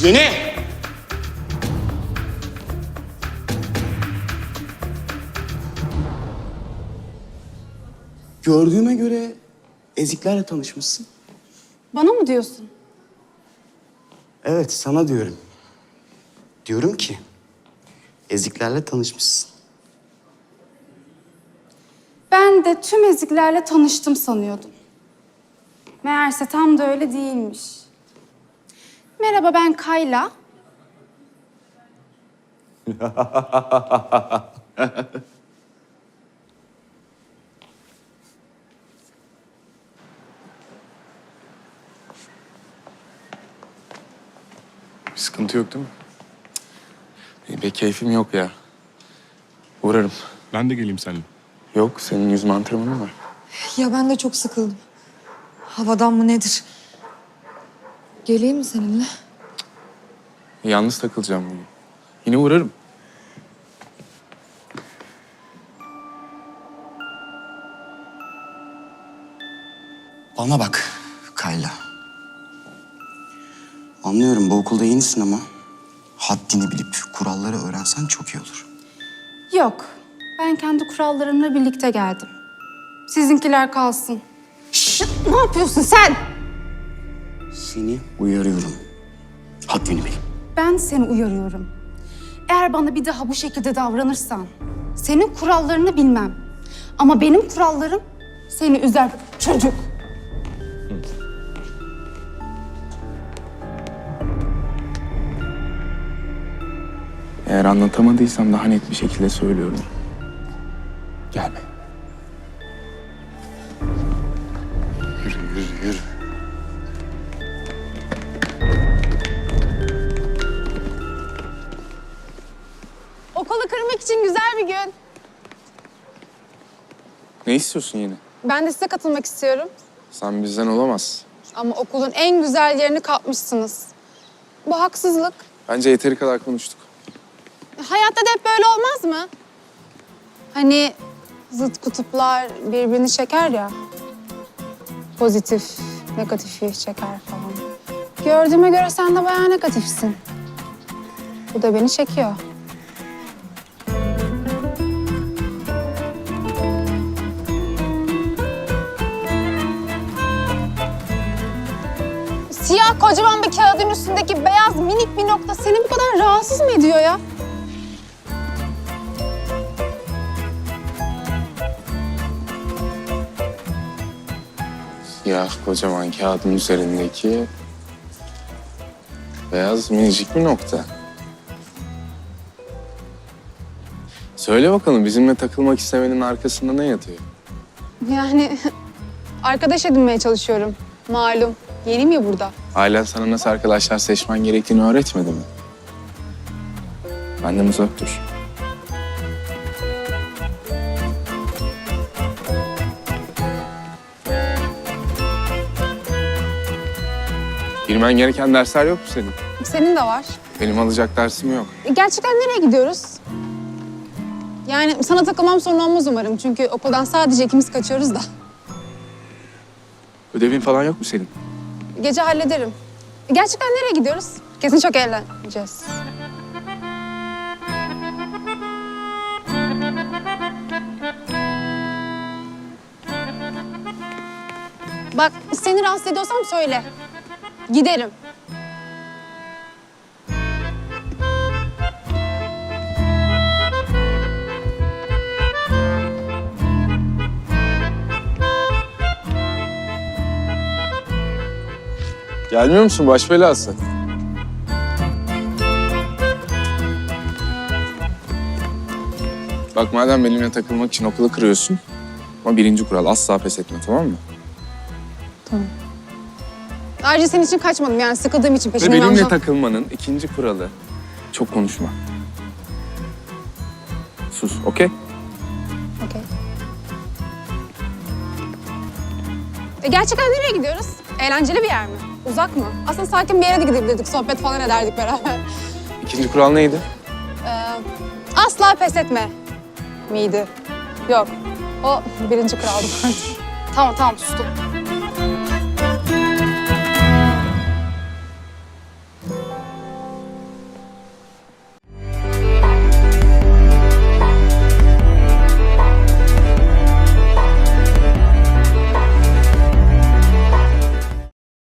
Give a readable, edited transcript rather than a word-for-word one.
Seni! Gördüğüme göre eziklerle tanışmışsın. Bana mı diyorsun? Evet, sana diyorum. Diyorum ki eziklerle tanışmışsın. Ben de tüm eziklerle tanıştım sanıyordum. Meğerse tam da öyle değilmiş. Merhaba, ben Kayla. Bir sıkıntı yok değil mi? Benim pek keyfim yok ya. Uğrarım. Ben de geleyim seninle. Yok, senin yüzme antrenmanın var. Ya ben de çok sıkıldım. Havadan mı nedir? Geleyim mi seninle? Yalnız takılacağım bugün. Yine uğrarım. Bana bak Kayla. Anlıyorum bu okulda yenisin ama haddini bilip kuralları öğrensen çok iyi olur. Yok, ben kendi kurallarımla birlikte geldim. Sizinkiler kalsın. Ne yapıyorsun sen? Seni uyarıyorum. Haddini bil. Ben seni uyarıyorum. Eğer bana bir daha bu şekilde davranırsan, senin kurallarını bilmem. Ama benim kurallarım seni üzer çocuk. Eğer anlatamadıysam daha net bir şekilde söylüyorum. Gelme. Yürü, yürü, yürü. Okulu kırmak için güzel bir gün. Ne istiyorsun yine? Ben de size katılmak istiyorum. Sen bizden olamazsın. Ama okulun en güzel yerini kapmışsınız. Bu haksızlık. Bence yeteri kadar konuştuk. Hayatta da hep böyle olmaz mı? Hani zıt kutuplar birbirini çeker ya. Pozitif, negatifi çeker falan. Gördüğüme göre sen de bayağı negatifsin. Bu da beni çekiyor. Siyah kocaman bir kağıdın üstündeki beyaz minik bir nokta seni bu kadar rahatsız mı ediyor ya? Siyah kocaman kağıdın üzerindeki beyaz minicik bir nokta. Söyle bakalım bizimle takılmak istemenin arkasında ne yatıyor? Yani arkadaş edinmeye çalışıyorum. Malum. Yeniyim ya burada. Ailen sana nasıl arkadaşlar seçmen gerektiğini öğretmedi mi? Benden uzak dur. Girmen gereken dersler yok mu senin? Senin de var. Benim alacak dersim yok. Gerçekten nereye gidiyoruz? Yani sana takılmam sorun olmaz umarım. Çünkü okuldan sadece ikimiz kaçıyoruz da. Ödevin falan yok mu senin? Gece hallederim. Gerçekten nereye gidiyoruz? Kesin çok eğleneceğiz. Bak seni rahatsız ediyorsam söyle. Giderim. Gelmiyor musun baş belası? Bak madem benimle takılmak için okulu kırıyorsun. Ama birinci kural asla pes etme, tamam mı? Ayrıca senin için kaçmadım yani sıkıldığım için Ve peşinden benimle alacağım. takılmanın ikinci kuralı çok konuşma. Sus, okey? Okey. Gerçekten nereye gidiyoruz? Eğlenceli bir yer mi? Uzak mı? Aslında sakin bir yere de gidebilirdik. Sohbet falan ederdik beraber. İkinci kural neydi? Asla pes etme miydi? Yok. O birinci kuraldı. Tamam sustum.